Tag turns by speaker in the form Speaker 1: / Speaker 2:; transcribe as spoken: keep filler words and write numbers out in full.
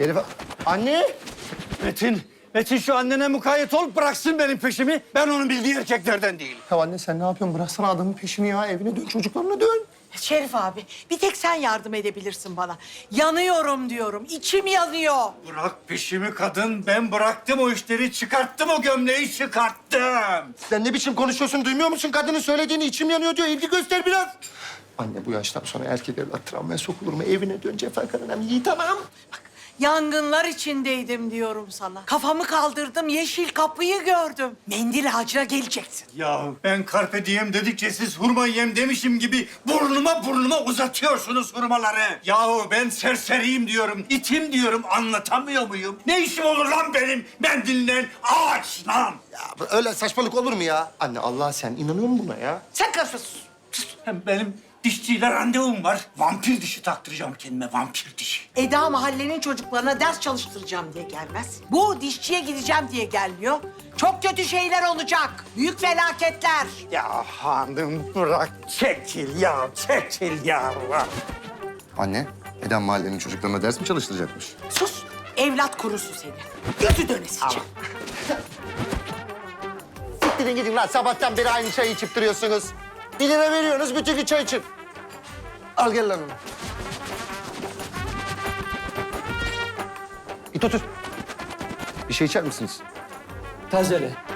Speaker 1: Elif... Anne!
Speaker 2: Metin, Metin şu annene mukayyet ol, bıraksın benim peşimi. Ben onun bildiği erkeklerden değilim.
Speaker 1: Ya anne sen ne yapıyorsun? Bıraksana adamın peşini ya. Evine dön, çocuklarına dön.
Speaker 3: Şerif abi, bir tek sen yardım edebilirsin bana. Yanıyorum diyorum, içim yanıyor.
Speaker 2: Bırak peşimi kadın. Ben bıraktım o işleri, çıkarttım o gömleği, çıkarttım.
Speaker 1: Sen ne biçim konuşuyorsun? Duymuyor musun? Kadının söylediğini içim yanıyor diyor. İlgi göster biraz. Anne bu yaştan sonra erkek evlat travmaya sokulur mu? Evine dön Cefer Karanem. İyi tamam.
Speaker 3: Bak, yangınlar içindeydim diyorum sana. Kafamı kaldırdım, yeşil kapıyı gördüm. Mendil ağacına geleceksin.
Speaker 2: Ya ben carpe diem dedikçe siz hurma yem demişim gibi burnuma burnuma uzatıyorsunuz hurmaları. Yahu ben serseriyim diyorum, itim diyorum, anlatamıyor muyum? Ne işim olur lan benim mendilinden ağaçla?
Speaker 1: Ya öyle saçmalık olur mu ya? Anne Allah sen inanıyor musun buna ya?
Speaker 3: Sen karışıyorsun.
Speaker 2: Hem benim dişçiyle randevum var. Vampir dişi taktıracağım kendime, vampir dişi.
Speaker 3: Eda mahallenin çocuklarına ders çalıştıracağım diye gelmez. Bu dişçiye gideceğim diye gelmiyor. Çok kötü şeyler olacak. Büyük felaketler.
Speaker 2: Ya hanım bırak, çekil ya, çekil ya.
Speaker 1: Anne, Eden mahallenin çocuklarına ders mi çalıştıracakmış?
Speaker 3: Sus. Evlat kurusu seni. Gözü dönesice.
Speaker 1: Siktirin gidin lan. Sabahtan beri aynı çayı içip duruyorsunuz. Bir lira veriyorsunuz, bütün gün çay için. Al gel lan onu. İt otur. Bir şey içer misiniz?
Speaker 4: Tazele.